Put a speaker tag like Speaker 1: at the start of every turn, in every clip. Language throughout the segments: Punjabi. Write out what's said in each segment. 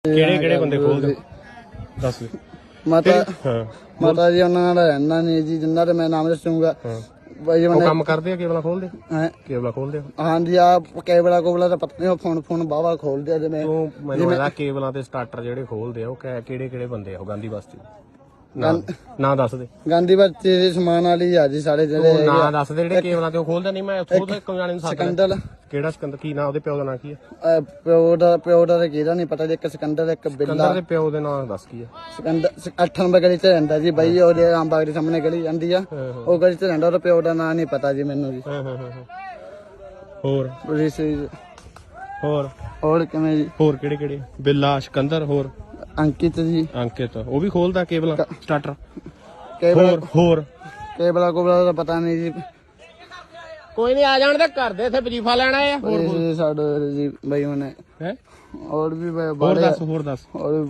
Speaker 1: ਕਿਹੜੇ ਬੰਦੇ ਖੋਲਦੇ ਦੱਸ
Speaker 2: ਮਾਤਾ
Speaker 1: ਹਾਂ
Speaker 2: ਮਾਤਾ ਜੀ ਉਹਨਾਂ ਨਾਲ ਰਹਿਣਾ ਨਹੀਂ ਜੀ, ਜਿੰਨਾ ਤੇ ਮੈਂ ਨਾਮ ਦੱਸੂਗਾ ਬਾਈ
Speaker 1: ਉਹ
Speaker 2: ਉਹਨੇ
Speaker 1: ਕੰਮ ਕਰਦੇ ਆ ਕੇਬਲਾਂ ਖੋਲਦੇ
Speaker 2: ਹੈਂ?
Speaker 1: ਕੇਬਲਾਂ ਖੋਲਦੇ ਆ
Speaker 2: ਹਾਂਜੀ ਆ ਕੇਬਲਾ ਕੋਬਲਾ ਤਾਂ ਪਤਾ ਨਹੀਂ, ਫੋਨ ਬਾਵਾ ਖੋਲਦੇ ਆ ਜਿਵੇਂ
Speaker 1: ਤੂੰ ਮੈਨੂੰ ਇਹਦਾ ਕੇਬਲਾਂ ਤੇ ਸਟਾਰਟਰ ਜਿਹੜੇ ਖੋਲਦੇ ਆ ਉਹ ਕਿਹੜੇ ਬੰਦੇ ਆ ਉਹ ਗਾਂਧੀ ਬਸਤੀ ਨਾ ਦੱਸ ਦੇ
Speaker 2: ਗਾਂਧੀ ਬੱਚੇ ਦੇ ਸਮਾਨ ਵਾਲੀ ਆ ਜੀ ਸਾਰੇ ਜਿਹੜੇ
Speaker 1: ਤੂੰ ਨਾ ਦੱਸ ਦੇ ਜਿਹੜੇ ਕੇਬਲਾਂ ਤੇ ਉਹ ਖੋਲਦੇ ਨਹੀਂ। ਮੈਂ ਉੱਥੋਂ ਤੋਂ ਇੱਕ ਜਾਣੇ ਨੂੰ ਸੱਦ
Speaker 2: ਸਕੰਦਲ
Speaker 1: ਕਿਹੜਾ ਸਿਕੰਦਰ ਕੀ ਨਾਂ ਉਹਦੇ ਪਿਓ ਦਾ ਨਾਂ ਕੀ ਆ?
Speaker 2: ਪਿਓ ਦਾ ਤਾਂ ਕਿਹਦਾ ਨਹੀਂ ਪਤਾ ਜੀ, ਇੱਕ ਸਕੰਦਰ ਇੱਕ ਬਿੱਲਾ।
Speaker 1: ਸਿਕੰਦਰ ਦੇ ਪਿਓ ਦੇ ਨਾਂ ਦੱਸ ਕੀ ਆ?
Speaker 2: ਸਕੰਦਰ 8 ਨੰਬਰ ਗਲੀ ਚ ਰਹਿੰਦਾ ਜੀ ਬਾਈ, ਉਹਦੇ ਆਮਬਾਗ ਦੇ ਸਾਹਮਣੇ ਗਲੀ ਜਾਂਦੀ ਆ, ਉਹ ਗਲੀ ਚ ਰਹਿੰਦਾ। ਉਹਦਾ ਪਿਓ ਦਾ ਨਾਂ ਨਹੀਂ ਪਤਾ ਜੀ ਮੈਨੂੰ ਜੀ।
Speaker 1: ਹੋਰ
Speaker 2: ਹੋਰ ਕਿਵੇਂ ਜੀ?
Speaker 1: ਹੋਰ ਕਿਹੜੇ ਬਿੱਲਾ ਸਿਕੰਦਰ ਹੋਰ
Speaker 2: ਅੰਕਿਤ ਜੀ,
Speaker 1: ਅੰਕਿਤ ਉਹ ਵੀ ਖੋਲਦਾ ਕੇਬਲਾਂ ਸਟਾਰਟਰ। ਹੋਰ
Speaker 2: ਕੇਬਲਾ ਕੋਬਲਾ ਦਾ ਪਤਾ ਨਹੀਂ ਜੀ।
Speaker 1: ਕੋਈ ਨਹੀਂ ਆ ਜਾਣ ਤੇ ਘਰ ਦੇ ਇੱਥੇ ਵਜੀਫਾ ਲੈਣਾ ਆ।
Speaker 2: ਇਹ ਸਾਡੇ ਜੀ ਬਾਈ ਉਹਨੇ
Speaker 1: ਹੈ
Speaker 2: ਹੋਰ ਵੀ
Speaker 1: ਹੋਰ ਦੱਸ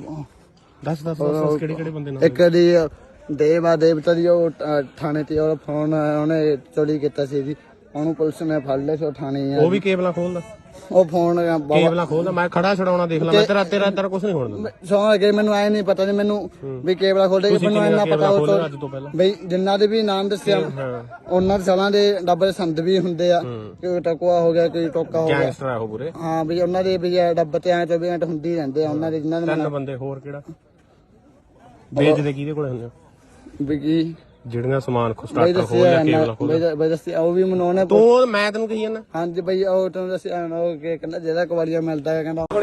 Speaker 2: ਹੋਰ
Speaker 1: ਕਿਹੜੇ ਬੰਦੇ ਨਾਲ?
Speaker 2: ਇੱਕ ਦੀ ਦੇਵਤਾ ਦੀ ਉਹ ਥਾਣੇ ਤੇ ਉਹ ਫੋਨ ਉਹਨੇ ਚੋਰੀ ਕੀਤਾ ਸੀ ਜੀ, ਉਹਨੂੰ ਪੁਲਿਸ ਨੇ ਫੜ ਲਿਆ ਸੀ। ਉਹ ਥਾਣੇ
Speaker 1: ਉਹ ਵੀ ਕੇਬਲਾਂ ਖੋਲਦਾ,
Speaker 2: ਉਹ ਫੋਨ
Speaker 1: ਕੇਬਲਾਂ ਖੋਲਦਾ। ਮੈਂ ਖੜਾ ਛਡਾਉਣਾ ਦੇਖ ਲਾ, ਮੈਂ ਤੇਰਾ ਕੁਝ ਨਹੀਂ ਹੋਣ ਦਿੰਦਾ।
Speaker 2: ਸੌਂ ਕੇ ਮੈਨੂੰ ਐ ਨਹੀਂ ਪਤਾ ਜੀ, ਮੈਨੂੰ ਵੀ ਕੇਬਲਾ ਖੋਲਦੇ ਮੈਨੂੰ ਇੰਨਾ ਪਤਾ ਉਹ
Speaker 1: ਅੱਜ ਤੋਂ ਪਹਿਲਾਂ
Speaker 2: ਬਈ ਜਿੰਨਾ ਦੇ ਵੀ ਨਾਮ ਦੱਸਿਆ ਉਹਨਾਂ ਦੇ ਸਾਲਾਂ ਦੇ ਡੱਬੇ ਸੰਦ ਵੀ ਹੁੰਦੇ ਆ, ਕੋਈ ਟਕਵਾ ਹੋ ਗਿਆ, ਕੋਈ ਟੋਕਾ ਹੋ ਗਿਆ,
Speaker 1: ਗੈਂਗਸਟਰ ਆ ਉਹ ਪੂਰੇ।
Speaker 2: ਹਾਂ ਵੀ ਉਹਨਾਂ ਦੇ ਵੀ ਡੱਬੇ ਤੇ ਐ 24 ਘੰਟੇ ਹੁੰਦੀ ਰਹਿੰਦੇ ਆ ਉਹਨਾਂ ਦੇ, ਜਿਨ੍ਹਾਂ ਦੇ
Speaker 1: 3 ਬੰਦੇ। ਹੋਰ ਕਿਹੜਾ ਵੇਚਦੇ ਕਿਹਦੇ ਕੋਲੇ ਹੁੰਦੇ?
Speaker 2: ਵੀ ਕੀ
Speaker 1: ਜਿਹੜੀਆਂ ਸਮਾਨ ਸਟਾਰਟਰ ਖੋਲਦਾ ਕੇਬਲਾਂ ਖੋਲਦਾ
Speaker 2: ਬਈ ਦੱਸਿਆ ਉਹ ਵੀ ਮੈਨੂੰ ਉਹਨੇ।
Speaker 1: ਤੂੰ ਮੈਂ ਤੈਨੂੰ ਕਹੀ ਜਾਂਦਾ
Speaker 2: ਹਾਂਜੀ ਬਈ ਉਹ ਤੁਹਾਨੂੰ ਦੱਸਿਆ ਉਹ ਕਹਿੰਦਾ ਜਿਹਦਾ ਕਵਾਲੀਆ ਮਿਲਦਾ ਹੈ ਕਹਿੰਦਾ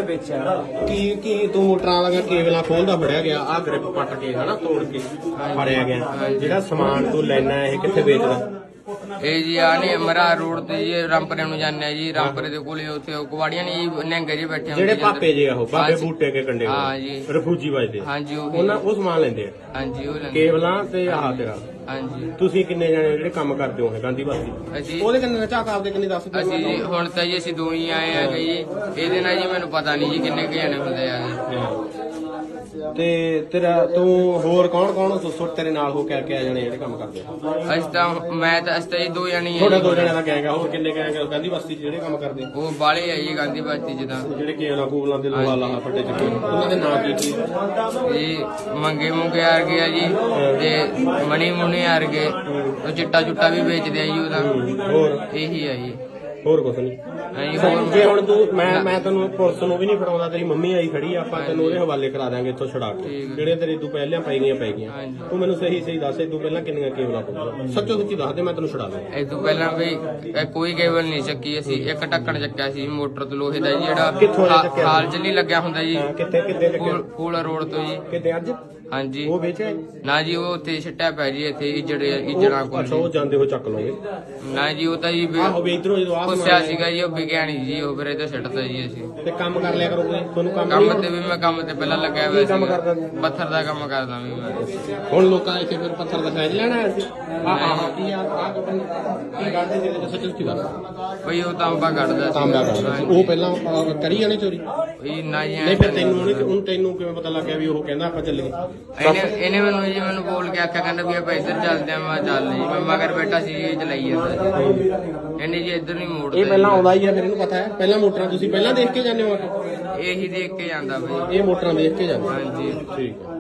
Speaker 1: ਕੀ ਤੂੰ ਮੋਟਰਾਂ ਵਾਲਾ ਕੇਬਲਾਂ ਖੋਲਦਾ ਫੜਿਆ ਗਿਆ, ਆ ਗ੍ਰਿਪ ਪੱਟ ਕੇ ਹਨਾ ਤੋੜ ਕੇ ਫੜਿਆ ਗਿਆ। ਜਿਹੜਾ ਸਮਾਨ ਤੂੰ ਲੈਣਾ ਇਹ ਕਿੱਥੇ ਵੇਚਦਾ?
Speaker 3: ਇਹ ਜੀ ਆ ਨੇ ਮਰਾ ਰੋਡ ਤੇ ਜੀ ਰਾਮਪੁਰੇ ਨੂੰ ਜਾਂਦੇ ਆ ਜੀ। ਰਾਮਪੁਰੇ ਦੇ ਕੋਲੇ ਉੱਥੇ ਕੁਵਾੜੀਆਂ ਨੇ ਜੀ ਨਿਹੰਗੇ ਜੀ ਬੈਠੇ
Speaker 1: ਜਿਹੜੇ ਪਾਪੇ ਜੇ ਉਹ ਬਾਬੇ ਬੂਟੇ ਕੇ ਕੰਡੇ
Speaker 3: ਹਾਂ ਜੀ,
Speaker 1: ਰਫੂਜੀ ਵੱਜਦੇ
Speaker 3: ਹਾਂਜੀ
Speaker 1: ਉਹ ਸਮਾਨ ਲੈਂਦੇ ਆ।
Speaker 3: ਹਾਂਜੀ ਉਹ ਲੈਂਦੇ
Speaker 1: ਕੇਬਲਾਂ ਤੇ ਆਹ ਤੇਰਾ।
Speaker 3: ਹਾਂਜੀ
Speaker 1: ਤੁਸੀਂ ਕਿੰਨੇ ਜਣੇ ਜਿਹੜੇ ਕੰਮ ਕਰਦੇ ਹੋ ਗਾਂਧੀ ਬਸਤੀ?
Speaker 3: ਅਸੀਂ
Speaker 1: ਉਹਦੇ ਕਿੰਨੇ ਝਾਕ ਆਪਦੇ ਕਿੰਨੇ ਦੱਸ?
Speaker 3: ਅਸੀਂ ਜੀ ਹੁਣ ਤਾਂ ਜੀ ਅਸੀਂ ਦੋ ਹੀ ਆਏ ਆ ਜੀ। ਇਹਦੇ ਨਾਲ ਜੀ ਮੈਨੂੰ ਪਤਾ ਨਹੀਂ ਜੀ ਕਿੰਨੇ ਕੁ ਜਣੇ ਹੁੰਦੇ ਆ ਜੀ।
Speaker 1: ਤੇ ਤੇਰਾ ਤੂੰ ਹੋਰ ਕੌਣ ਸੁੱਟ ਤੇਰੇ ਨਾਲ ਹੋ ਕੇ ਆ ਜਾਣੇ ਜਿਹੜੇ ਕੰਮ ਕਰਦੇ?
Speaker 3: ਅਸੀਂ ਤਾਂ ਜੀ ਦੋ ਜਣੇ ਆ
Speaker 1: ਥੋੜਾ
Speaker 3: ਜੀ।
Speaker 1: 2 ਜਣਿਆਂ ਦਾ ਗੈਂਗ ਆ। ਹੋਰ ਕਿੰਨੇ ਗੈਂਗ ਆ ਗਾਂਧੀ ਬਸਤੀ ਜਿਹੜੇ ਕੰਮ ਕਰਦੇ?
Speaker 3: ਉਹ ਬਾਲੇ ਆ ਜੀ ਗਾਂਧੀ ਬਸਤੀ ਜਿੱਦਾਂ
Speaker 1: ਜਿਹੜੇ ਕੇਬਲਾਂ ਕੂਬਲਾਂ ਦੇ ਲੋਹਾ ਲਾਹਾ ਫੱਟੇ ਚੱਕੇ ਉਹਨਾਂ ਦੇ ਨਾਂ ਕੀ?
Speaker 3: ਜੀ ਮੰਗੇ ਮੁੰਗੇ ਆ ਗਏ ਆ ਜੀ, ਤੇ ਮਣੀ ਮੁਨੀ ਆ ਗਏ। ਉਹ ਚਿੱਟਾ ਚੁੱਟਾ ਵੀ ਵੇਚਦੇ ਆ ਜੀ ਉਹਦਾ।
Speaker 1: ਹੋਰ
Speaker 3: ਇਹੀ ਆ ਜੀ,
Speaker 1: ਹੋਰ ਕੁਛ ਨਹੀਂ। ਜੇ ਹੁਣ ਤੂੰ ਮੈਂ ਤੈਨੂੰ ਪੁਲਿਸ ਨੂੰ ਵੀ ਨਹੀਂ ਫੜਾਉਂਦਾ, ਤੇਰੀ ਮੰਮੀ ਆਈ ਖੜੀ ਆ, ਆਪਾਂ ਤੈਨੂੰ ਉਹਦੇ ਹਵਾਲੇ ਕਰਾ ਦਾਂਗੇ ਇੱਥੋਂ ਛੁਡਾ ਕੇ। ਜਿਹੜੇ ਤੇਰੇ ਤੂੰ ਪਹਿਲਾਂ ਪੈ ਗਈਆਂ ਤੂੰ ਮੈਨੂੰ ਸਹੀ ਦੱਸ, ਤੂੰ ਪਹਿਲਾਂ ਕਿੰਨੀਆਂ ਕੇਬਲਾਂ ਖੋਲੀਆਂ? ਸੱਚੋ ਸੱਚੀ ਦੱਸ ਦੇ, ਮੈਂ ਤੈਨੂੰ ਛੁਡਾ ਦਾਂ।
Speaker 3: ਇਹ ਤੋਂ ਪਹਿਲਾਂ ਵੀ ਕੋਈ ਕੇਬਲ ਨਹੀਂ ਚੱਕੀ ਅਸੀਂ। ਇੱਕ ਢੱਕਣ ਚੱਕਿਆ ਸੀ ਮੋਟਰ ਤੋਂ ਲੋਹੇ ਦਾ ਜੀ,
Speaker 1: ਕਿੱਥੋਂ
Speaker 3: ਜਿਹੜਾ
Speaker 1: ਚੱਕਿਆ?
Speaker 3: ਹਾਲ ਚ ਨਹੀਂ ਲੱਗਿਆ ਹੁੰਦਾ ਜੀ,
Speaker 1: ਕਿੱਥੇ
Speaker 3: ਫੂਲ ਰੋਡ ਤੋਂ ਜੀ।
Speaker 1: ਕਿਤੇ ਅੱਜ
Speaker 3: ਹਾਂਜੀ
Speaker 1: ਉਹ ਵੇਚਿਆ
Speaker 3: ਨਾ ਜੀ, ਉਹ ਉੱਥੇ ਛੱਟਿਆ ਪੈ ਜੀ, ਇੱਥੇ ਇਜੜਾ ਕੋਲ।
Speaker 1: ਅੱਛਾ ਉਹ ਜਾਂਦੇ ਹੋ ਚੱਕ ਲਓਗੇ?
Speaker 3: ਨਾ ਜੀ ਉਹ ਤਾਂ ਜੀ
Speaker 1: ਆਹੋ ਵੀ ਇਧਰੋਂ ਜਦੋਂ
Speaker 3: ਪੁੱਛਿਆ ਸੀਗਾ ਜੀ, ਉਹ ਵਿਗਿਆਨੀ ਜੀ, ਉਹ ਫਿਰ ਇਹਦਾ ਛੱਡਤਾ ਜੀ ਅਸੀਂ।
Speaker 1: ਤੇ ਕੰਮ ਕਰ ਲਿਆ ਕਰੋਗੇ ਤੁਹਾਨੂੰ?
Speaker 3: ਕੰਮ ਤੇ ਵੀ ਮੈਂ ਕੰਮ ਤੇ ਪਹਿਲਾਂ ਲੱਗਿਆ ਹੋਇਆ
Speaker 1: ਕੰਮ
Speaker 3: ਸੀ,
Speaker 1: ਕਰਦਾ?
Speaker 3: ਪੱਥਰ ਦਾ ਕੰਮ ਕਰਦਾ ਵੀ ਮੈਂ।
Speaker 1: ਹੁਣ ਲੋਕਾਂ ਇੱਥੇ ਫਿਰ ਪੱਥਰ ਦਾ ਸਾਈਜ਼ ਲੈਣਾ ਹੈ? ਕੀ ਕਰਦੇ ਜਿਹੜੇ ਸੱਚੋ ਸੱਚੀ ਦੱਸ।
Speaker 3: ਬਈ ਉਹ ਤਾਂਬਾ ਕੱਢਦਾ
Speaker 1: ਤਾਂਬਾ ਕਰਦਾ ਸੀ ਉਹ ਪਹਿਲਾਂ ਕਰੀ ਜਾਣੇ ਚੋਰੀ?
Speaker 3: ਬਈ ਨਾ ਜੀ
Speaker 1: ਨਹੀਂ ਫਿਰ ਤੈਨੂੰ ਕਿਵੇਂ ਪਤਾ ਲੱਗਿਆ ਵੀ ਉਹ ਕਹਿੰਦਾ ਆਪਾਂ ਚੱਲੀਏ?
Speaker 3: ਇਹਨੇ ਮੈਨੂੰ ਬੋਲ ਕੇ ਆਖਿਆ, ਕਹਿੰਦਾ ਵੀ ਆਪਾਂ ਇੱਧਰ ਚੱਲਦੇ ਆ। ਮੈਂ ਚੱਲ ਜੀ, ਮੈਂ ਮਗਰ ਬੈਠਾ ਸੀ, ਇਹ ਚਲਾਈ ਜਾਂਦਾ ਜੀ। ਇਹਨੇ ਜੀ ਇੱਧਰ ਨਹੀਂ ਮੋੜਦਾ।
Speaker 1: ਇਹ ਪਹਿਲਾਂ ਆਉਂਦਾ ਹੀ ਆ, ਫਿਰ ਇਹਨੂੰ ਪਤਾ ਹੈ। ਪਹਿਲਾਂ ਮੋਟਰਾਂ ਤੁਸੀਂ ਪਹਿਲਾਂ ਦੇਖ ਕੇ ਜਾਂਦੇ ਹੋ?
Speaker 3: ਇਹੀ ਦੇਖ ਕੇ ਜਾਂਦਾ ਬਈ।
Speaker 1: ਇਹ ਮੋਟਰਾਂ ਦੇਖ ਕੇ ਜਾਂਦੇ?
Speaker 3: ਹਾਂਜੀ
Speaker 1: ਠੀਕ ਹੈ।